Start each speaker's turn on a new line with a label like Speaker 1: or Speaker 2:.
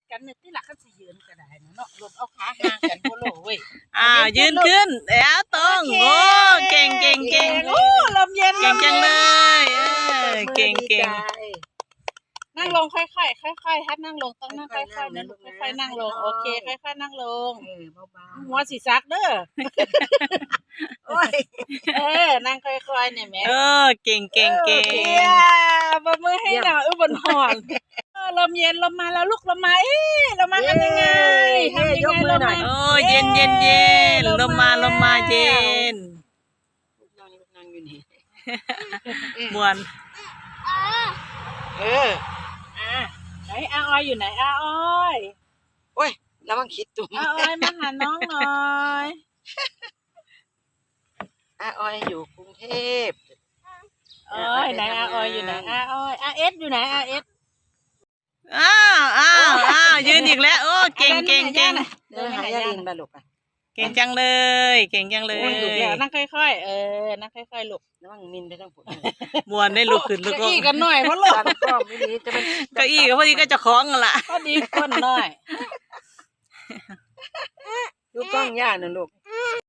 Speaker 1: กันเนี่ยที่หลักก็สิยืนก็ได้เนาะลมเอาขาห่างกันโบโลเว้ย
Speaker 2: ยืนขึ้นแล้วตรงโอ้เก่ง
Speaker 1: โอ้ลมเย็น
Speaker 2: เก่งจังเลยเก่ง
Speaker 1: นั่งลงค่อยๆค่อยๆฮัดนั่งลงต้องนั่งค่อยๆนะลูกค่อยๆนั่งลงโอเคค่อยๆนั่งลงหัวสีซักเด้อโอ้ยนั่งค่อยๆเนี่ยแม่
Speaker 2: เก่ง
Speaker 1: บมือให้หน่อยบนหอนลมเย็นลมมาแล้วลูกลมมาลมมาทำยังไงลมมา
Speaker 2: เย็นลมมาเย็น
Speaker 1: นั่งอยู่นี่
Speaker 2: มวน
Speaker 1: ไหนอาออยอยู่ไหนอาออย
Speaker 3: โอ้ยแล้วมันคิดตุ้ม
Speaker 1: อาออยมาหาน้องหน่อย
Speaker 3: อาออยอยู่กรุงเทพ
Speaker 1: ไหนอาออยอยู่ไหนอาออยอาเอสอยู่ไหนอาเอส
Speaker 2: ยืนอีกแล้วโอ้เก่ง
Speaker 3: เดินหายาลินมาลูก
Speaker 2: เก่งจังเลย
Speaker 1: นั่งค่อยๆนั่งค่อยๆลูก
Speaker 3: แล้วมันมินไปทั้งผุด
Speaker 2: มวนได้ลุกขึ้นลุกลง
Speaker 1: กันหน่อยเพราะลูก
Speaker 2: เก้าอี้ก็พอดีก็จะคล้องกันละ
Speaker 1: พอดีคนหน่อย
Speaker 3: ลูกกล้องย่าน่ะลูก